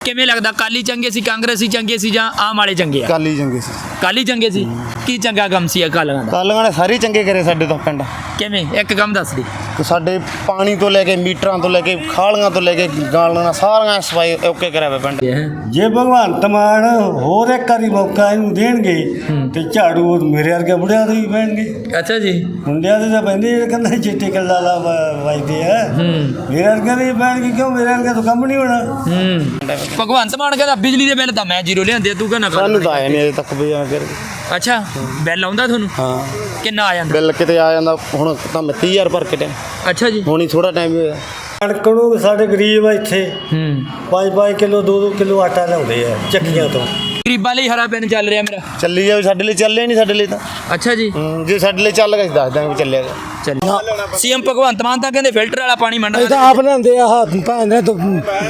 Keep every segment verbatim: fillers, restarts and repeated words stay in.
ਕਿਵੇਂ ਲੱਗਦਾ ਕਾਲੀ ਚੰਗੇ ਸੀ ਕਾਂਗਰਸੀ ਚੰਗੇ ਸੀ ਜਾਂ ਆਮ ਵਾਲੇ ਚੰਗੇ ਆ? ਕਾਲੀ ਚੰਗੇ ਸੀ। ਕਾਲੀ ਚੰਗੇ ਸੀ। ਕੀ ਚੰਗਾ ਕੰਮ ਸੀ ਅਕਾਲੀਆਂ ਦਾ? ਕਾਲੀਆਂ ਨੇ ਸਾਰੇ ਚੰਗੇ ਕਰੇ ਸਾਡੇ ਤੋਂ ਪਿੰਡ। ਕਿਵੇਂ ਇੱਕ ਕੰਮ ਦੱਸ ਦੀ। ਤੇ ਸਾਡੇ ਪਾਣੀ ਤੋਂ ਲੈ ਕੇ ਮੀਟਰਾਂ ਤੋਂ ਲੈ ਕੇ ਖਾਲੀਆਂ ਤੋਂ ਲੈ ਕੇ ਗਾਲਾਂ ਸਾਰੀਆਂ ਸਫਾਈ ਓਕੇ ਕਰਿਆ ਹੋਇਆ ਪਿੰਡ। ਜੇ ਭਗਵੰਤ ਮਾਨ ਹੋਰ ਇੱਕ ਵਾਰੀ ਮੌਕਾ ਇਹਨੂੰ ਦੇਣਗੇ ਤੇ ਝਾੜੂ ਉਹ ਮੇਰੇ ਵਰਗੇ ਬੁੜਿਆਂ ਦੇ ਹੀ ਪੈਣਗੇ। ਅੱਛਾ ਜੀ। ਮੁੰਡਿਆਂ ਦੇ ਤਾਂ ਪੈਂਦੇ ਜਿਹੜੇ ਕਹਿੰਦੇ ਚਿੱਟੇ ਕੱਲਾ ਲਾ ਵੱਜਦੇ ਆ, ਮੇਰੇ ਵਰਗੇ ਦੇ ਹੀ ਪੈਣਗੇ। ਕਿਉਂ ਮੇਰੇ ਵਰਗੇ ਤੋਂ ਕੰਮ ਨਹੀਂ ਹੋਣਾ। ਹੂੰ ਭਗਵੰਤ ਮਾਨ ਕਹਿੰਦਾ ਬਿਜਲੀ ਦੇ ਬਿੱਲ ਤਾਂ ਮੈਂ ਜ਼ੀਰੋ ਲਿਆਂਦੇ, ਤੂੰ ਕਹਿੰਦਾ ਸਾਨੂੰ ਤਾਂ ਆਇਆ ਨਹੀਂ ਅਜੇ ਤੱਕ ਵੀ ਫਿਰ। ਅੱਛਾ ਬਿੱਲ ਆਉਂਦਾ ਤੁਹਾਨੂੰ? ਹਾਂ। ਕਿੰਨਾ ਆ ਜਾਂਦਾ ਬਿੱਲ ਕਿਤੇ ਆ ਜਾਂਦਾ ਹੁਣ ਤਾਂ ਮੈਂ ਤੀਹ ਹਜ਼ਾਰ ਭਰ ਕੇ ਟਾਈਮ। ਅੱਛਾ ਜੀ। ਹੁਣ ਹੀ ਥੋੜਾ ਟਾਈਮ ਹੋਇਆ। ਕਣਕ ਨੂੰ ਸਾਡੇ ਗਰੀਬ ਆ ਇੱਥੇ ਹੂੰ ਪੰਜ ਪੰਜ ਕਿਲੋ ਦੋ ਦੋ ਕਿਲੋ ਆਟਾ ਲਿਆਉਂਦੇ ਆ ਚੱਕੀਆਂ ਤੋਂ। ਗਰੀਬਾਂ ਲਈ ਹਰਾ ਪੈਨ ਚੱਲ ਰਿਹਾ ਮੇਰਾ। ਚੱਲੀ ਜਾਵੇ ਸਾਡੇ ਲਈ, ਚੱਲੇ ਨਹੀਂ ਸਾਡੇ ਲਈ ਤਾਂ। ਅੱਛਾ ਜੀ। ਹੂੰ, ਜੇ ਸਾਡੇ ਲਈ ਚੱਲ ਗਿਆ ਅਸੀਂ ਦੱਸ ਦਾਂਗੇ ਵੀ ਚੱਲਿਆ ਗਿਆ। ਚੱਲ ਸੀਐਮ ਭਗਵੰਤ ਮਾਨ ਤਾਂ ਕਹਿੰਦੇ ਫਿਲਟਰ ਵਾਲਾ ਪਾਣੀ ਮੰਡਾ ਇਹ ਤਾਂ ਆਪ ਲਿਆਉਂਦੇ ਆ ਆਹ ਭੈਣ ਦੇ ਤੋਂ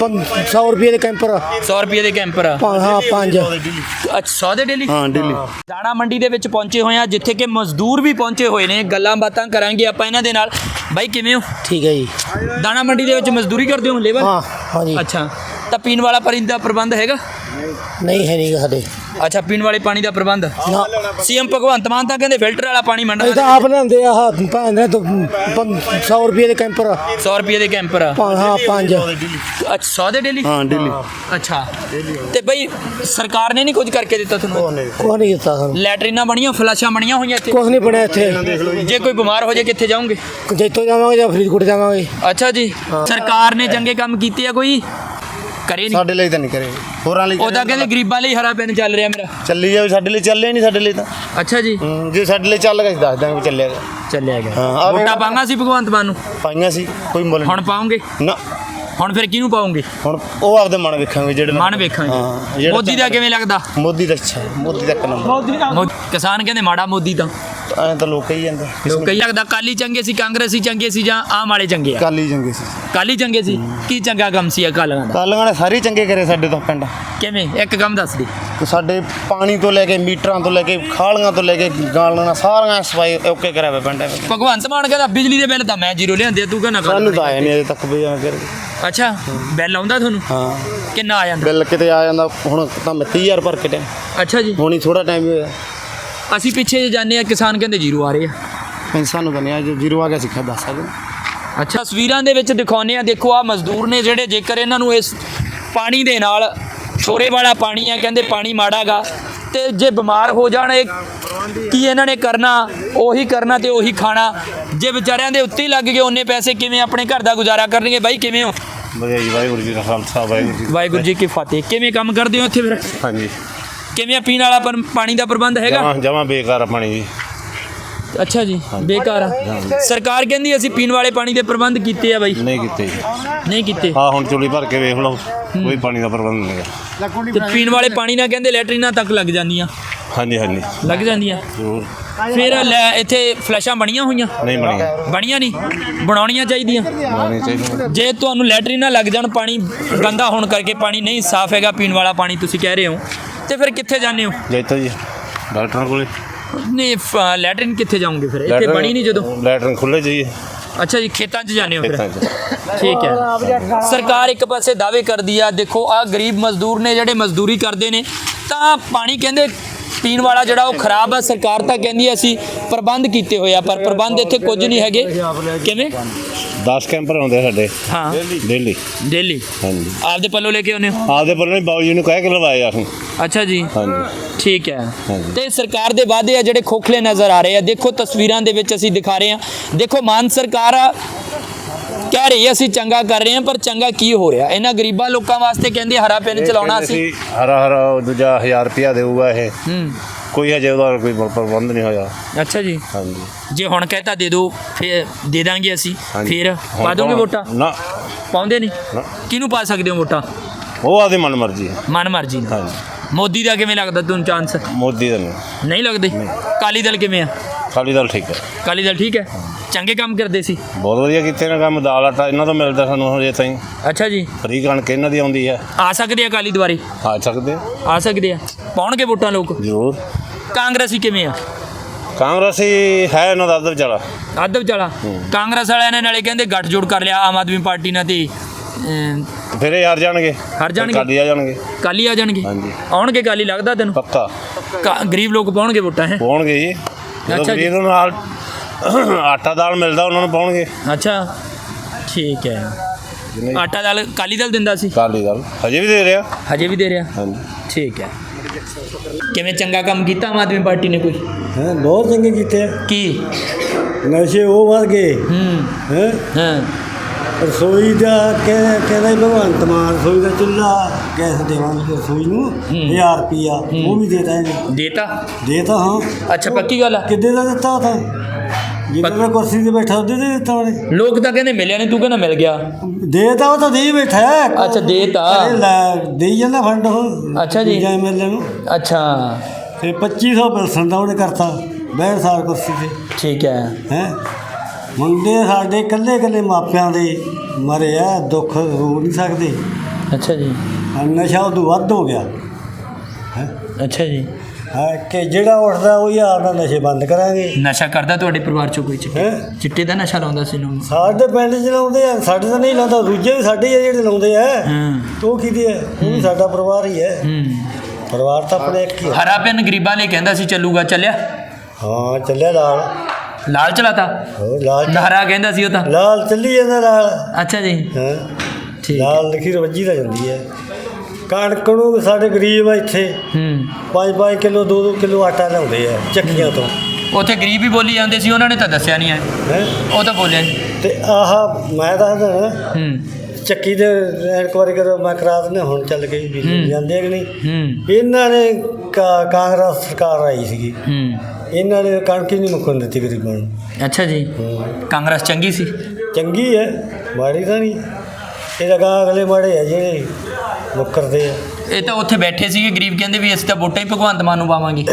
ਸੌ ਰੁਪਏ ਦੇ ਕੈਂਪਰ। ਸੌ ਰੁਪਏ ਦੇ ਕੈਂਪਰ। ਹਾਂ ਪੰਜ। ਅੱਛਾ ਸੌ ਦੇ ਡੇਲੀ। ਹਾਂ ਡੇਲੀ। ਦਾਣਾ ਮੰਡੀ ਦੇ ਵਿੱਚ ਪਹੁੰਚੇ ਹੋਏ ਆ ਜਿੱਥੇ ਕਿ ਮਜ਼ਦੂਰ ਵੀ ਪਹੁੰਚੇ ਹੋਏ ਨੇ। ਗੱਲਾਂ ਬਾਤਾਂ ਕਰਾਂਗੇ ਆਪਾਂ ਇਹਨਾਂ ਦੇ ਨਾਲ। ਬਾਈ ਕਿਵੇਂ ਹੋ? ਠੀਕ ਹੈ ਜੀ। ਦਾਣਾ ਮੰਡੀ ਦੇ ਵਿੱਚ ਮਜ਼ਦੂਰੀ ਕਰਦੇ ਹੋ ਲੇਬਰ? ਹਾਂ ਹਾਂ ਜੀ। ਅੱਛਾ ਤਾਂ ਪੀਣ ਵਾਲਾ ਪਾਣੀ ਦਾ ਪ੍ਰਬੰਧ ਹੈਗਾ? ਨਹੀਂ ਹੈ ਨਹੀਂ ਸਾਡੇ। ਅੱਛਾ ਪੀਣ ਵਾਲੇ ਪਾਣੀ ਦਾ ਪ੍ਰਬੰਧ। ਨਾ ਸੀਐਮ ਭਗਵੰਤ ਮਾਨ ਤਾਂ ਕਹਿੰਦੇ ਫਿਲਟਰ ਵਾਲਾ ਪਾਣੀ ਮੰਡਾ। ਇਹ ਤਾਂ ਆਪ ਲਿਆਉਂਦੇ ਆ ਆਹ ਭੈਣ ਦੇ ਤੋਂ ਸੌ ਰੁਪਏ ਦੇ ਕੈਂਪਰ। ਸੌ ਰੁਪਏ ਦੇ ਕੈਂਪਰ। ਹਾਂ ਪੰਜ। ਅੱਛਾ ਸੌ ਦੇ ਡੇਲੀ। ਹਾਂ ਡੇਲੀ। ਅੱਛਾ ਤੇ ਬਈ ਸਰਕਾਰ ਨੇ ਨਹੀਂ ਕੁਝ ਕਰਕੇ ਦਿੱਤਾ ਤੁਹਾਨੂੰ? ਕੁਛ ਨਹੀਂ ਦਿੱਤਾ ਸਾਨੂੰ। ਲੈਟਰੀਨਾਂ ਬਣੀਆਂ, ਫਲਾਸ਼ਾਂ ਬਣੀਆਂ ਹੋਈਆਂ ਇੱਥੇ? ਕੁਛ ਨਹੀਂ ਬਣਿਆ ਇੱਥੇ। ਜੇ ਕੋਈ ਬਿਮਾਰ ਹੋ ਜਾਏ ਕਿੱਥੇ ਜਾਓਗੇ? ਜੈਤੋ ਜਾਵਾਂਗੇ ਜਾਂ ਫਰੀਦਕੋਟ ਜਾਵਾਂਗੇ। ਅੱਛਾ ਜੀ। ਸਰਕਾਰ ਨੇ ਚੰਗੇ ਕੰਮ ਕੀਤੇ ਆ ਕੋਈ? ਕਰੇ ਨਹੀਂ। ਸਾਡੇ ਲਈ ਤਾਂ ਨਹੀਂ ਕਰੇ, ਹੋਰਾਂ ਲਈ ਉਹਦਾ ਕਹਿੰਦੇ ਗਰੀਬਾਂ ਲਈ ਹਰਾ ਪੈਨ ਚੱਲ ਰਿਹਾ ਮੇਰਾ। ਚੱਲੀ ਜਾਵੇ ਸਾਡੇ ਲਈ, ਚੱਲੇ ਨਹੀਂ ਸਾਡੇ ਲਈ ਤਾਂ। ਅੱਛਾ ਜੀ। ਹੂੰ, ਜੇ ਸਾਡੇ ਲਈ ਚੱਲ ਗਿਆ ਅਸੀਂ ਦੱਸ ਦਾਂਗੇ ਵੀ ਚੱਲਿਆ ਗਿਆ। ਚੱਲਿਆ ਗਿਆ। ਹਾਂ, ਵੋਟਾਂ ਪਾਉਂਗਾ ਸੀ ਭਗਵੰਤ ਮਾਨ ਨੂੰ? ਪਾਈਆਂ ਸੀ, ਕੋਈ ਮੁੱਲ ਹੁਣ ਪਾਉਂਗੇ? ਨਾ। ਹੁਣ ਫਿਰ ਕਿਹਨੂੰ ਪਾਉਂਗੇ? ਹੁਣ ਉਹ ਆਪਦੇ ਮਨ ਵੇਖਾਂਗੇ ਜਿਹੜੇ ਮਨ ਵੇਖਾਂਗੇ। ਹਾਂ, ਜਿਹੜਾ ਮੋਦੀ ਦਾ ਕਿਵੇਂ ਲੱਗਦਾ? ਮੋਦੀ ਦਾ ਅੱਛਾ, ਮੋਦੀ ਦਾ ਇੱਕ ਨੰਬਰ। ਮੋਦੀ- ਕਿਸਾਨ ਕਹਿੰਦੇ ਮਾੜਾ ਮੋਦੀ ਤਾਂ। ਐਂ ਤਾਂ ਲੋਕ ਕਹੀ ਜਾਂਦੇ। ਲੋਕ ਕਈ ਲੱਗਦਾ ਕਾਲੀ ਚੰਗੇ ਸੀ ਕਾਂਗਰਸੀ ਚੰਗੇ ਸੀ ਜਾਂ ਆਮ ਵਾਲੇ ਚੰਗੇ ਆ? ਕਾਲੀ ਚੰਗੇ ਸੀ। ਕਾਲੀ ਚੰਗੇ ਸੀ। ਕੀ ਚੰਗਾ ਕੰਮ ਸੀ ਅਕਾਲੀਆਂ ਦਾ? ਕਾਲੀਆਂ ਨੇ ਸਾਰੇ ਚੰਗੇ ਕਰੇ ਸਾਡੇ ਤੋਂ ਪਿੰਡ। ਕਿਵੇਂ ਇੱਕ ਕੰਮ ਦੱਸ ਦੀ। ਤੇ ਸਾਡੇ ਪਾਣੀ ਤੋਂ ਲੈ ਕੇ ਮੀਟਰਾਂ ਤੋਂ ਲੈ ਕੇ ਖਾਲੀਆਂ ਤੋਂ ਲੈ ਕੇ ਗਾਲਾਂ ਸਾਰੀਆਂ ਸਫਾਈ ਓਕੇ ਕਰਿਆ ਹੋਇਆ ਪਿੰਡ। ਭਗਵੰਤ ਮਾਨ ਕਹਿੰਦਾ ਬਿਜਲੀ ਦੇ ਬਿੱਲ ਤਾਂ ਮੈਂ ਜ਼ੀਰੋ ਲਿਆਂਦੇ, ਤੂੰ ਕਹਿੰਦਾ ਸਾਨੂੰ ਤਾਂ ਆਇਆ ਨਹੀਂ ਅਜੇ ਤੱਕ ਵੀ ਫਿਰ। ਅੱਛਾ ਬਿੱਲ ਆਉਂਦਾ ਤੁਹਾਨੂੰ? ਹਾਂ। ਕਿੰਨਾ ਆ ਜਾਂਦਾ? ਬਿੱਲ ਕਿਤੇ ਆ ਜਾਂਦਾ ਹੁਣ ਤਾਂ ਮੈਂ ਤੀਹ ਹਜ਼ਾਰ ਭਰ ਕੇ ਟਾਈਮ। ਅੱਛਾ ਜੀ। ਹੁਣ ਹੀ ਥੋੜਾ ਟਾਈਮ ਹੋਇਆ। ਅਸੀਂ ਪਿੱਛੇ ਜਾਂਦੇ ਆ ਕਿਸਾਨ ਕਹਿੰਦੇ ਜ਼ੀਰੋ ਆ ਰਹੇ ਆ। ਨਹੀਂ ਸਾਨੂੰ ਤਾਂ ਨਹੀਂ ਆ, ਜੋ ਜ਼ੀਰੋ ਆ ਗਿਆ ਸਿੱਖਿਆ ਦੱਸ ਸਕਦੇ। ਅੱਛਾ ਤਸਵੀਰਾਂ ਦੇ ਵਿੱਚ ਦਿਖਾਉਂਦੇ ਆ। ਦੇਖੋ ਆ ਮਜ਼ਦੂਰ ਨੇ ਜਿਹੜੇ, ਜੇਕਰ ਇਹਨਾਂ ਨੂੰ ਇਸ ਪਾਣੀ ਦੇ ਨਾਲ, ਛੋਰੇ ਵਾਲਾ ਪਾਣੀ ਆ, ਕਹਿੰਦੇ ਪਾਣੀ ਮਾੜਾਗਾ ਤੇ ਜੇ ਬਿਮਾਰ ਹੋ ਜਾਣ ਇਹ ਕੀ ਇਹਨਾਂ ਨੇ ਕਰਨਾ? ਉਹੀ ਕਰਨਾ ਤੇ ਉਹੀ ਖਾਣਾ। ਜੇ ਵਿਚਾਰਿਆਂ ਦੇ ਉੱਤੇ ਹੀ ਲੱਗ ਗਏ ਉਹਨੇ ਪੈਸੇ, ਕਿਵੇਂ ਆਪਣੇ ਘਰ ਦਾ ਗੁਜ਼ਾਰਾ ਕਰਨਗੇ? ਬਾਈ ਕਿਵੇਂ ਹੋ? ਵਧੀਆ ਜੀ, ਵਾਹਿਗੁਰੂ ਜੀ ਦਾ ਖਾਲਸਾ ਵਾਹਿਗੁਰੂ ਜੀ। ਵਾਹਿਗੁਰੂ ਜੀ ਕੀ ਫਤਿਹ। ਕਿਵੇਂ ਕੰਮ ਕਰਦੇ ਹੋ ਇੱਥੇ ਫਿਰ? ਹਾਂਜੀ ਕਿਵੇਂ ਪੀਣ ਵਾਲਾ ਪਰ- ਪਾਣੀ ਦਾ ਪ੍ਰਬੰਧ ਹੈਗਾ? ਜਮਾ ਜਮਾ ਬੇਕਾਰ ਆ ਪਾਣੀ ਜੀ। ਅੱਛਾ ਜੀ ਬੇਕਾਰ ਆ। ਸਰਕਾਰ ਕਹਿੰਦੀ ਅਸੀਂ ਪੀਣ ਵਾਲੇ ਪਾਣੀ ਦੇ ਪ੍ਰਬੰਧ ਕੀਤੇ ਆ ਬਾਈ। ਨਹੀਂ ਕੀਤੇ ਜੀ। ਨਹੀਂ ਕੀਤੇ। ਹਾਂ ਹੁਣ ਚੁਲੀ ਭਰ ਕੇ ਵੇਖ ਲਓ, ਕੋਈ ਪਾਣੀ ਦਾ ਪ੍ਰਬੰਧ ਨਹੀਂ ਹੈ। ਤੇ ਪੀਣ ਵਾਲੇ ਪਾਣੀ ਨਾਲ ਕਹਿੰਦੇ ਲੈਟਰੀਨਾਂ ਤੱਕ ਲੱਗ ਜਾਂਦੀਆਂ। ਹਾਂਜੀ ਹਾਂਜੀ ਲੱਗ ਜਾਂਦੀਆਂ। ਜ਼ਰੂਰ। ਫਿਰ ਲੈ ਇੱਥੇ ਫਲੈਸ਼ਾਂ ਬਣੀਆਂ ਹੋਈਆਂ? ਨਹੀਂ ਬਣੀਆਂ, ਬਣੀਆਂ ਨਹੀਂ, ਬਣਾਉਣੀਆਂ ਚਾਹੀਦੀਆਂ। ਬਣਾਉਣੀ ਚਾਹੀਦੀ। ਜੇ ਤੁਹਾਨੂੰ ਲੈਟਰੀਨਾਂ ਲੱਗ ਜਾਣ, ਪਾਣੀ ਗੰਦਾ ਹੋਣ ਕਰਕੇ, ਪਾਣੀ ਨਹੀਂ ਸਾਫ਼ ਹੈਗਾ ਪੀਣ ਵਾਲਾ ਪਾਣੀ ਤੁਸੀਂ ਕਹਿ ਰਹੇ ਹੋ, ਤੇ ਫਿਰ ਕਿੱਥੇ ਜਾਂਦੇ ਹੋ? ਜੈਤੋ ਜੀ ਡਾਕਟਰਾਂ ਕੋਲੇ। ਨਹੀਂ ਫ- ਲੈਟਰੀਨ ਕਿੱਥੇ ਜਾਓਗੇ ਫਿਰ? ਇੱਥੇ ਬਣੀ ਨਹੀਂ ਜਦੋਂ। ਲੈਟਰਨ ਖੁੱਲੇ ਜੀ ਅੱਛਾ ਜੀ ਖੇਤਾਂ 'ਚ ਜਾਂਦੇ ਹੋ ਫਿਰ? ਖੇਤਾਂ 'ਚ। ਠੀਕ ਹੈ। ਸਰਕਾਰ ਇੱਕ ਪਾਸੇ ਦਾਅਵੇ ਕਰਦੀ ਆ, ਦੇਖੋ ਆ ਗਰੀਬ ਮਜ਼ਦੂਰ ਨੇ ਜਿਹੜੇ ਮਜ਼ਦੂਰੀ ਕਰਦੇ ਨੇ, ਤਾਂ ਪਾਣੀ ਕਹਿੰਦੇ ਪੀਣ ਵਾਲਾ ਜਿਹੜਾ ਉਹ ਖਰਾਬ ਆ। ਸਰਕਾਰ ਤਾਂ ਕਹਿੰਦੀ ਆ ਅਸੀਂ ਪ੍ਰਬੰਧ ਕੀਤੇ ਹੋਏ ਆ, ਪਰ ਪ੍ਰਬੰਧ ਇੱਥੇ ਕੁਝ ਨਹੀਂ ਹੈਗੇ। ਕਿਵੇਂ? ਦਸ ਕੈਂਪਰ ਆਉਂਦੇ ਸਾਡੇ ਹਾਂ ਡੇਲੀ। ਡੇਲੀ ਹਾਂਜੀ ਆਪਦੇ ਪੱਲੋਂ ਲੈ ਕੇ ਆਉਂਦੇ ਹੋ? ਆਪਦੇ ਵੱਲੋਂ ਹੀ ਬਾਊ ਜੀ ਨੂੰ ਕਹਿ ਕੇ ਲਵਾਏ ਅਸੀਂ। ਅੱਛਾ ਜੀ ਹਾਂਜੀ ਠੀਕ ਹੈ। ਹਾਂਜੀ। ਤੇ ਸਰਕਾਰ ਦੇ ਵਾਅਦੇ ਆ ਜਿਹੜੇ ਖੋਖਲੇ ਨਜ਼ਰ ਆ ਰਹੇ ਆ। ਦੇਖੋ ਤਸਵੀਰਾਂ ਦੇ ਵਿੱਚ ਅਸੀਂ ਦਿਖਾ ਰਹੇ ਹਾਂ। ਦੇਖੋ ਮਾਨ ਸਰਕਾਰ ਆ, ਕਹਿ ਰਹੀ ਹੈ ਅਸੀਂ ਚੰਗਾ ਕਰ ਰਹੇ ਹਾਂ, ਪਰ ਚੰਗਾ ਕੀ ਹੋ ਰਿਹਾ? ਇਹਨਾਂ ਗਰੀਬਾਂ ਲੋਕਾਂ ਵਾਸਤੇ ਕਹਿੰਦੇ ਹਰਾ ਪੈਨ ਚਲਾਉਣਾ ਸੀ। ਹਰਾ ਹਰਾ ਦੂਜਾ ਹਜ਼ਾਰ ਰੁਪਇਆ ਦੇਊਗਾ ਇਹ। ਹੂੰ ਕੋਈ ਹਜੇ ਉਹਦਾ ਕੋਈ ਪ੍ਰਬੰਧ ਨਹੀਂ ਹੋਇਆ। ਅੱਛਾ ਜੀ। ਹਾਂਜੀ ਜੇ ਹੁਣ ਕਹਿਤਾ ਦੇ ਦਿਓ ਫਿਰ ਦੇ ਦਾਂਗੇ ਅਸੀਂ, ਹਾਂਜੀ। ਫਿਰ ਹੁਣ ਪਾ ਦੋਗੇ ਤਾਂ- ਵੋਟਾਂ? ਨਾ ਪਾਉਂਦੇ ਨਹੀਂ। ਨਾ। ਕਿਹਨੂੰ ਪਾ ਸਕਦੇ ਹੋ ਵੋਟਾਂ? ਉਹ ਆਦੀ ਮਨ ਮਰਜ਼ੀ ਹੈ। ਮਨ ਮਰਜ਼ੀ ਨਾਲ। ਹਾਂਜੀ ਮੋਦੀ ਦਾ ਕਿਵੇਂ ਲੱਗਦਾ ਤੁਹਾਨੂੰ ਚਾਂਸ? ਮੋਦੀ ਦਾ ਨਹੀਂ। ਨਹੀਂ ਲੱਗਦੇ। ਅਕਾਲੀ ਦਲ ਕਿਵੇਂ ਆ? ਅਕਾਲੀ ਦਲ ਠੀਕ ਹੈ। ਅਕਾਲੀ ਦਲ ਠੀਕ ਹੈ, ਚੰਗੇ ਕੰਮ ਕਰਦੇ ਸੀ। ਬਹੁਤ ਵਧੀਆ ਕੀਤੇ ਨੇ ਕੰਮ। ਦਾਲ ਆਟਾ ਇਹਨਾਂ ਤੋਂ ਮਿਲਦਾ ਸਾਨੂੰ ਹਜੇ ਤਾਈਂ। ਅੱਛਾ ਜੀ। ਫਰੀ ਕਣਕ ਇਹਨਾਂ ਦੀ ਆਉਂਦੀ ਹੈ। ਆ ਸਕਦੇ ਆ ਅਕਾਲੀ ਦੁਆਰੇ? ਆ ਸਕਦੇ ਆ ਸਕਦੇ ਆ। ਪਾਉਣਗੇ ਵੋਟਾਂ ਲੋਕ? ਜ਼ਰੂਰ। ਕਾਂਗਰਸੀ ਕਿਵੇਂ ਆ? ਕਾਂਗਰਸੀ ਹੈ ਇਹਨਾਂ ਦਾ ਅੱਧ ਵਿਚਾਲਾ। ਅੱਧ ਵਿਚਾਲਾ। ਕਾਂਗਰਸ ਵਾਲਿਆਂ ਨੇ ਨਾਲੇ ਕਹਿੰਦੇ ਗੱਠਜੋੜ ਕਰ ਲਿਆ ਆਮ ਆਦਮੀ ਪਾਰਟੀ ਨਾਲ ਤੇ ਅਮ, ਫਿਰ ਇਹ ਹਾਰ ਜਾਣਗੇ ਹਾਰ ਜਾਣਗੇ? ਕਾਲੀ ਆ ਜਾਣਗੇ ਕਾਲੀ ਆ ਜਾਣਗੇ? ਹਾਂਜੀ। ਆਉਣਗੇ ਕਾਲੀ ਲੱਗਦਾ ਤੈਨੂੰ? ਪੱਕਾ ਕਾ- ਗਰੀਬ ਲੋਕ ਪਾਉਣਗੇ ਵੋਟਾਂ ਹੈ? ਪਾਉਣਗੇ ਜੀ ਜਦੋਂ ਅੱਛਾ ਜੀ। ਗਰੀਬ ਨੂੰ ਨਾਲ ਆਟਾ ਦਾਲ ਮਿਲਦਾ ਉਹਨਾਂ ਨੂੰ ਪਾਉਣਗੇ। ਅੱਛਾ ਠੀਕ ਹੈ। ਆਟਾ ਦਾਲ ਕਾਲੀ ਦਲ ਦਿੰਦਾ ਸੀ? ਕਾਲੀ ਦਾਲ ਹਜੇ ਵੀ ਦੇ ਰਿਹਾ। ਹਜੇ ਵੀ ਦੇ ਰਿਹਾ? ਹਾਂਜੀ ਠੀਕ ਹੈ। ਕਿਵੇਂ ਚੰਗਾ ਕੰਮ ਕੀਤਾ ਆਮ ਆਦਮੀ ਪਾਰਟੀ ਨੇ ਕੋਈ? ਹੈ ਬਹੁਤ ਚੰਗੇ ਕੀਤੇ ਆ। ਕੀ? ਨਸ਼ੇ ਉਹ ਵੱਧ ਗਏ ਹੂੰ ਹੈ ਹਾਂ ਰਸੋਈ ਦਾ ਕਹਿੰਦਾ ਕਹਿੰਦਾ ਸੀ ਭਗਵੰਤ ਮਾਨ ਰਸੋਈ ਦਾ ਚੁੱਲ੍ਹਾ ਗੈਸ ਦੇਵਾਂਗੇ ਰਸੋਈ ਨੂੰ ਹਜ਼ਾਰ ਰੁਪਈਆ ਉਹ ਵੀ ਦੇਤਾ ਇਹਨੇ ਦੇਤਾ? ਦੇਤਾ ਹਾਂ। ਅੱਛਾ ਪੱਕੀ ਗੱਲ ਆ? ਕਿੱਦੇ ਦਾ ਦਿੱਤਾ ਤਾਂ ਜਿੱਦਾਂ ਕੁਰਸੀ ਤੇ ਬੈਠਾ ਉਹਦੇ ਤੇ ਦਿੱਤਾ ਉਹਨੇ। ਲੋਕ ਤਾਂ ਕਹਿੰਦੇ ਮਿਲਿਆ ਨਹੀਂ, ਤੂੰ ਕਹਿੰਦਾ ਮਿਲ ਗਿਆ। ਦੇਤਾ ਉਹ ਤਾਂ ਦੇ ਹੀ ਬੈਠਾ ਹੈ। ਅੱਛਾ, ਦੇਤਾ। ਘਰੇ ਲੈ ਦੇਈ ਜਾਂਦਾ ਫੰਡ ਉਹ। ਅੱਛਾ ਜੀ। ਐਮ ਐਲ ਏ ਨੂੰ ਅੱਛਾ ਤੇ ਪੱਚੀ ਸੌ ਪੈਨਸ਼ਨ ਦਾ ਉਹਨੇ ਕਰਤਾ ਬਹਿਣ ਸਾਲ ਕੁਰਸੀ ਤੇ ਠੀਕ ਹੈ। ਹੈ ਮੁੰਡੇ ਸਾਡੇ ਇਕੱਲੇ ਇਕੱਲੇ ਮਾਪਿਆਂ ਦੇ ਮਰੇ ਆ, ਦੁੱਖ ਰੋ ਨਹੀਂ ਸਕਦੇ। ਅੱਛਾ ਜੀ। ਆਹ ਨਸ਼ਾ ਉਦੋਂ ਵੱਧ ਹੋ ਗਿਆ ਹੈ ਅੱਛਾ ਜੀ। ਹੈ ਕਿ ਜਿਹੜਾ ਉੱਠਦਾ ਉਹ ਯਾਰ ਦਾ ਨਸ਼ੇ ਬੰਦ ਕਰਾਂਗੇ। ਨਸ਼ਾ ਕਰਦਾ ਤੁਹਾਡੇ ਪਰਿਵਾਰ ਚੋਂ ਕੋਈ ਚਿੱਟੇ? ਹੈਂ? ਚਿੱਟੇ ਦਾ ਨਸ਼ਾ ਲਾਉਂਦਾ ਸੀ ਨੂੰ? ਸਾਡੇ ਪਿੰਡ 'ਚ ਲਾਉਂਦੇ ਆ, ਸਾਡੇ ਤਾਂ ਨਹੀਂ ਲਾਉਂਦਾ, ਦੂਜੇ ਵੀ ਸਾਡੇ ਹੀ ਆ ਜਿਹੜੇ ਲਾਉਂਦੇ ਆ। ਹਾਂ ਤੇ ਉਹ ਕਿਹਦੇ ਆ? ਉਹ ਵੀ ਸਾਡਾ ਪਰਿਵਾਰ ਹੀ ਹੈ। ਹੂੰ। ਪਰਿਵਾਰ ਤਾਂ ਆਪਣੇ ਇੱਕ ਹੀ ਆ। ਹਰਾ ਪੈਨ ਗਰੀਬਾਂ ਲਈ ਕਹਿੰਦਾ ਸੀ ਚੱਲੂਗਾ, ਚੱਲਿਆ? ਹਾਂ ਚੱਲਿਆ ਲਾਲ। ਲਾਲ ਚਲਾਤਾ? ਹੋਰ ਲਾਲ ਹਰਾ ਕਹਿੰਦਾ ਸੀ ਉਹ ਤਾਂ। ਲਾਲ ਚੱਲੀ ਜਾਂਦਾ ਲਾਲ। ਅੱਛਾ ਜੀ ਹਾਂ ਠੀਕ। ਲਾਲ ਲਿਖੀ ਰਵੱਜੀ ਤਾਂ ਜਾਂਦੀ ਹੈ। ਕਣਕ ਨੂੰ ਸਾਡੇ ਗਰੀਬ ਆ ਇੱਥੇ ਹੂੰ। ਪੰਜ ਪੰਜ ਕਿਲੋ ਦੋ ਦੋ ਕਿਲੋ ਆਟਾ ਲਿਆਉਂਦੇ ਆ ਚੱਕੀਆਂ ਤੋਂ। ਉੱਥੇ ਗਰੀਬ ਹੀ ਬੋਲੀ ਜਾਂਦੇ ਸੀ, ਉਹਨਾਂ ਨੇ ਤਾਂ ਦੱਸਿਆ ਨਹੀਂ ਹੈ। ਹੈ ਉਹ ਤਾਂ ਬੋਲਿਆ ਨਹੀਂ। ਤੇ ਆਹ ਮੈਂ ਦੱਸਦਾ ਨਾ ਹੂੰ ਚੱਕੀ ਦੇ ਇਨਕੁਆਰੀ ਕਰੋ, ਮੈਂ ਕਰਾ ਦਿੰਦਾ ਹੁਣ ਚੱਲ ਗਈ ਹੂੰ। ਬਿਜਲੀ ਜਾਂਦੇ ਆ ਕਿ ਨਹੀਂ। ਹੂੰ ਇਹਨਾਂ ਨੇ ਕਾ- ਕਾਂਗਰਸ ਸਰਕਾਰ ਆਈ ਸੀਗੀ, ਹੂੰ ਇਹਨਾਂ ਨੇ ਕਣਕ ਹੀ ਨਹੀਂ ਮੁੱਕਣ ਦਿੱਤੀ ਗਰੀਬਾਂ ਨੂੰ। ਅੱਛਾ ਜੀ। ਹੂੰ। ਕਾਂਗਰਸ ਚੰਗੀ ਸੀ? ਚੰਗੀ ਹੈ, ਮਾੜੀ ਤਾਂ ਨਹੀਂ। ਇਹ ਲਗਾ ਅਗਲੇ ਮਾੜੇ ਆ ਜਿਹੜੇ ਮੁੱਕਰਦੇ ਆ। ਇਹ ਤਾਂ ਉੱਥੇ ਬੈਠੇ ਸੀਗੇ ਗਰੀਬ, ਕਹਿੰਦੇ ਵੀ ਅਸੀਂ ਤਾਂ ਵੋਟਾਂ ਹੀ ਭਗਵੰਤ ਮਾਨ ਨੂੰ ਪਾਵਾਂਗੇ।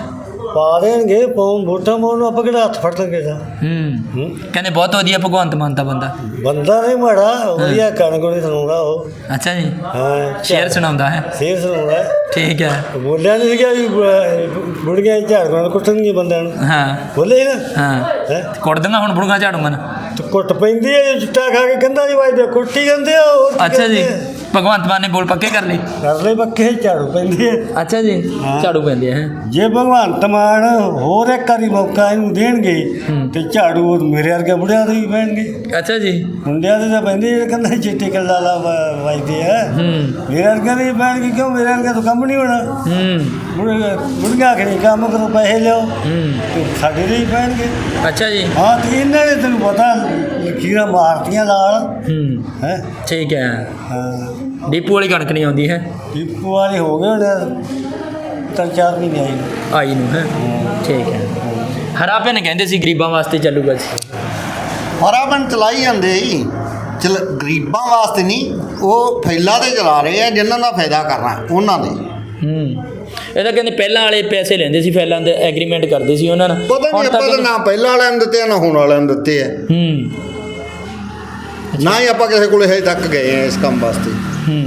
ਪਾ ਦੇਣਗੇ ਪਾਉ ਵੋਟਾਂ ਪਾਉਣ ਨੂੰ ਆਪਾਂ ਕਿਹੜਾ ਹੱਥ ਫੜ ਲਾਂਗੇ ਤਾਂ। ਹੂੰ ਹੂੰ। ਕਹਿੰਦੇ ਬਹੁਤ ਵਧੀਆ ਭਗਵੰਤ ਮਾਨ ਦਾ ਬੰਦਾ। ਬੰਦਾ ਨਹੀਂ ਮਾੜਾ, ਵਧੀਆ ਕਣਕ ਨਹੀਂ ਸੁਣਾਉਂਦਾ ਉਹ। ਅੱਛਾ ਜੀ। ਹਾਂ ਸ਼ੇਰ ਸੁਣਾਉਂਦਾ ਹੈ? ਸ਼ੇਰ ਸੁਣਾਉਂਦਾ। ਠੀਕ ਹੈ। ਬੋਲਿਆ ਨਹੀਂ ਸੀਗਾ ਵੀ ਬ- ਬੁੜੀਆਂ ਝਾੜੂਆਂ ਕੁੱਟਣਗੀਆਂ ਬੰਦਿਆਂ ਨੂੰ। ਹਾਂ ਬੋਲੇ ਸੀ ਨਾ। ਹਾਂ ਹੈ ਕੁੱਟ ਦਿੰਦਾ ਹੁਣ ਬੁੜਗਾ ਝਾੜੂ ਮਨ। ਤੇ ਕੁੱਟ ਪੈਂਦੀ ਹੈ, ਚਿੱਟਾ ਖਾ ਕੇ ਕੰਧਾਂ ਦੀ ਵੱਜਦੇ ਕੁੱਟੀ ਜਾਂਦੇ ਆ। ਹੋਰ ਕੀ ਅੱਛਾ ਜੀ। ਕਰਦੇ ਆ? ਭਗਵੰਤ ਮਾਨ ਨੇ ਬੋਲ ਪੱਕੇ ਕਰ ਲਈ? ਕਰ ਲੈ ਪੱਕੇ, ਝਾੜੂ ਪੈਂਦੀ ਹੈ। ਅੱਛਾ ਜੀ। ਹਾਂ। ਝਾੜੂ ਪੈਂਦੇ ਹੈ। ਜੇ ਭਗਵੰਤ ਮਾਨ ਹੋਰ ਇੱਕ ਵਾਰੀ ਮੌਕਾ ਇਹਨੂੰ ਦੇਣਗੇ ਹੂੰ। ਤੇ ਝਾੜੂ ਉਹ ਮੇਰੇ ਵਰਗੇ ਬੁੜਿਆਂ ਦੇ ਵੀ ਪੈਣਗੇ। ਅੱਛਾ ਜੀ। ਮੁੰਡਿਆਂ ਦੇ ਤਾਂ ਪੈਂਦੇ ਜਿਹੜੇ ਕੰਧਾਂ 'ਚ ਚਿੱਟੇ ਕੱਲਾ ਲਾ ਵ- ਵੱਜਦੇ ਆ। ਹੂੰ ਮੇਰੇ ਵਰਗੇ ਦੇ ਵੀ ਪੈਣਗੇ, ਕਿਉਂ ਮੇਰੇ ਵਰਗੇ ਤੋਂ ਕੰਮ ਨਹੀਂ ਹੋਣਾ। ਹੂੰ ਬੁੜੀਆਂ ਬੁੜੀਆਂ ਆਖਣੀ ਕੰਮ ਕਰੋ ਪੈਸੇ ਲਿਓ, ਹੂੰ ਤੇ ਸਾਡੇ ਦੇ ਹੀ ਪੈਣਗੇ। ਅੱਛਾ ਜੀ। ਹਾਂ ਤੇ ਇਹਨਾਂ ਨੇ ਤੈਨੂੰ ਪਤਾ ਲਕੀਰਾਂ ਮਾਰਤੀਆਂ ਲਾਲ ਹੂੰ ਹੈ। ਠੀਕ ਹੈ। ਹਾਂ ਡੀਪੂ ਵਾਲੀ ਕਣਕ ਨਹੀਂ ਆਉਂਦੀ ਹੈ? ਟਿੱਪੂ ਵਾਲੇ ਹੋ ਗਏ ਹੁਣ ਤਿੰਨ ਚਾਰ ਮਹੀਨੇ ਆਈ ਨੂੰ। ਆਈ ਨੂੰ ਹੈ। ਠੀਕ ਹੈ। ਹਰਾ ਪੈਨ ਕਹਿੰਦੇ ਸੀ ਗਰੀਬਾਂ ਵਾਸਤੇ ਚੱਲੂਗਾ ਜੀ। ਹਰਾਬਨ ਚਲਾਈ ਜਾਂਦੇ ਜੀ, ਚਲ ਗਰੀਬਾਂ ਵਾਸਤੇ ਨਹੀਂ, ਉਹ ਫੈਲਾ ਤੇ ਚਲਾ ਰਹੇ ਆ ਜਿਨ੍ਹਾਂ ਦਾ ਫਾਇਦਾ ਕਰਨਾ ਉਹਨਾਂ ਦੇ। ਹੂੰ ਇਹ ਤਾਂ ਕਹਿੰਦੇ ਪਹਿਲਾਂ ਵਾਲੇ ਪੈਸੇ ਲੈਂਦੇ ਸੀ, ਫੈਲਾਂ ਦੇ ਐਗਰੀਮੈਂਟ ਕਰਦੇ ਸੀ ਉਹਨਾਂ ਨਾਲ। ਪਤਾ ਨਹੀਂ ਹੁਣ ਤਾਂ ਆਪਾਂ ਤਾਂ ਨਾ ਪਹਿਲਾਂ ਵਾਲਿਆਂ ਨੂੰ ਦਿੱਤੇ ਆ ਨਾ ਹੁਣ ਵਾਲਿਆਂ ਨੂੰ ਦਿੱਤੇ ਆ। ਹੂੰ ਨਾ ਹੀ ਆਪਾਂ ਕਿਸੇ ਕੋਲੇ ਹਜੇ ਤੱਕ ਗਏ ਆ ਇਸ ਕੰਮ ਵਾਸਤੇ। ਹੂੰ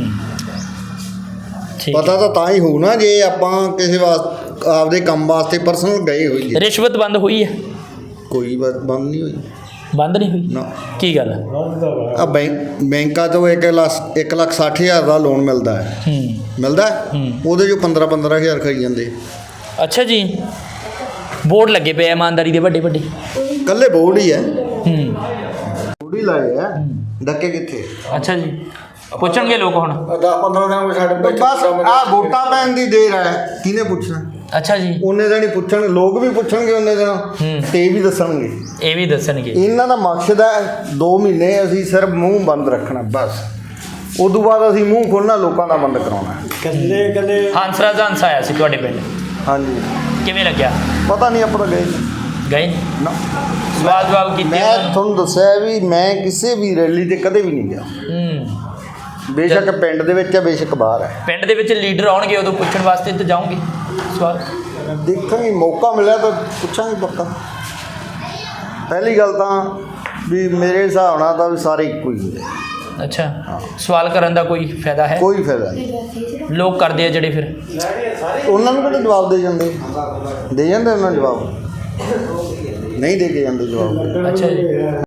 ਠੀਕ। ਪਤਾ ਤਾਂ ਤਾਂ ਹੀ ਹੋਊ ਨਾ ਜੇ ਆਪਾਂ ਕਿਸੇ ਵਾਸਤੇ ਆਪਦੇ ਕੰਮ ਵਾਸਤੇ ਪਰਸਨਲ ਗਏ ਹੋਈਏ। ਰਿਸ਼ਵਤ ਬੰਦ ਹੋਈ ਹੈ? ਕੋਈ ਬ- ਬੰਦ ਨਹੀਂ ਹੋਈ ਬੰਦ ਨਹੀਂ ਹੋਈ? ਨਾ। ਕੀ ਗੱਲ? ਆ ਬੈਂਕ ਬੈਂਕਾਂ ਤੋਂ ਇੱਕ ਲੱਖ ਇੱਕ ਲੱਖ ਸੱਠ ਹਜ਼ਾਰ ਦਾ ਲੋਨ ਮਿਲਦਾ ਹੈ। ਹੂੰ ਮਿਲਦਾ ਹੈ? ਹੂੰ। ਉਹਦੇ ਚੋਂ ਪੰਦਰਾਂ ਪੰਦਰਾਂ ਹਜ਼ਾਰ ਖਾਈ ਜਾਂਦੇ। ਅੱਛਾ ਜੀ। ਬੋਰਡ ਲੱਗੇ ਪਏ ਆ ਇਮਾਨਦਾਰੀ ਦੇ ਵੱਡੇ ਵੱਡੇ। ਕੱਲੇ ਬੋਰਡ ਹੀ ਹੈ, ਹੂੰ ਬੋਰਡ ਹੀ ਲਾਏ ਆ, ਡੱਕੇ ਕਿੱਥੇ। ਅੱਛਾ ਜੀ। ਪੁੱਛਣਗੇ ਲੋਕ ਹੁਣ? ਦਸ ਪੰਦਰਾਂ ਦਿਨ ਸਾਡੇ ਬਸ ਆ ਵੋਟਾਂ ਪੈਣ ਦੀ ਦੇਰ ਹੈ, ਕਿਹਨੇ ਪੁੱਛਣਾ। ਅੱਛਾ ਜੀ। ਉਹਨੇ ਦਿਨ ਹੀ ਪੁੱਛਣਗੇ, ਲੋਕ ਵੀ ਪੁੱਛਣਗੇ ਉਹਨੇ ਦਿਨ, ਹੂੰ। ਤੇ ਇਹ ਵੀ ਦੱਸਣਗੇ। ਇਹ ਵੀ ਦੱਸਣਗੇ। ਇਹਨਾਂ ਦਾ ਮਕਸਦ ਹੈ ਦੋ ਮਹੀਨੇ ਅਸੀਂ ਸਿਰਫ ਮੂੰਹ ਬੰਦ ਰੱਖਣਾ ਬਸ, ਉਦੋਂ ਬਾਅਦ ਅਸੀਂ ਮੂੰਹ ਖੋਲ੍ਹਣਾ, ਲੋਕਾਂ ਦਾ ਬੰਦ ਕਰਾਉਣਾ। ਕੱਲੇ ਕੱਲੇ ਹੰਸਰਾਜ ਹੰਸ ਆਇਆ ਸੀ ਤੁਹਾਡੇ ਪਿੰਡ, ਹਾਂਜੀ ਕਿਵੇਂ ਲੱਗਿਆ? ਪਤਾ ਨਹੀਂ ਆਪਾਂ ਤਾਂ ਗਏ ਨਹੀਂ। ਗਏ? ਨਾ ਸਵਾਲ ਜਵਾਬ ਕੀਤੇ? ਮੈਂ ਤੁਹਾਨੂੰ ਦੱਸਿਆ ਵੀ ਮੈਂ ਕਿਸੇ ਵੀ ਰੈਲੀ ਤੇ ਕਦੇ ਵੀ ਨਹੀਂ ਗਿਆ। ਹੂੰ ਬੇਸ਼ੱਕ ਪਿੰਡ ਦੇ ਵਿੱਚ ਹੈ, ਬੇਸ਼ੱਕ ਬਾਹਰ ਹੈ। ਪਿੰਡ ਦੇ ਵਿੱਚ ਲੀਡਰ ਆਉਣਗੇ ਉਦੋਂ ਪੁੱਛਣ ਵਾਸਤੇ ਤਾਂ ਜਾਓਗੇ ਸਵਾਲ? ਦੇਖਾਂਗੇ, ਮੌਕਾ ਮਿਲਿਆ ਤਾਂ ਪੁੱਛਾਂਗੇ ਪੱਕਾ। ਪਹਿਲੀ ਗੱਲ ਤਾਂ ਵੀ ਮੇਰੇ ਹਿਸਾਬ ਨਾਲ ਤਾਂ ਵੀ ਸਾਰੇ ਇੱਕੋ ਹੀ ਹੁੰਦੇ, ਅੱਛਾ। ਸਵਾਲ ਕਰਨ ਦਾ ਕੋਈ ਫਾਇਦਾ ਹੈ? ਕੋਈ ਫਾਇਦਾ ਨਹੀਂ। ਲੋਕ ਕਰਦੇ ਆ ਜਿਹੜੇ ਫਿਰ? ਉਹਨਾਂ ਨੂੰ ਕਿਹੜੇ ਜਵਾਬ ਦੇ ਜਾਂਦੇ, ਦੇ ਜਾਂਦੇ ਉਹਨਾਂ ਨੂੰ ਜਵਾਬ, ਨਹੀਂ ਦੇ ਕੇ ਜਾਂਦੇ ਜਵਾਬ। ਅੱਛਾ ਜੀ।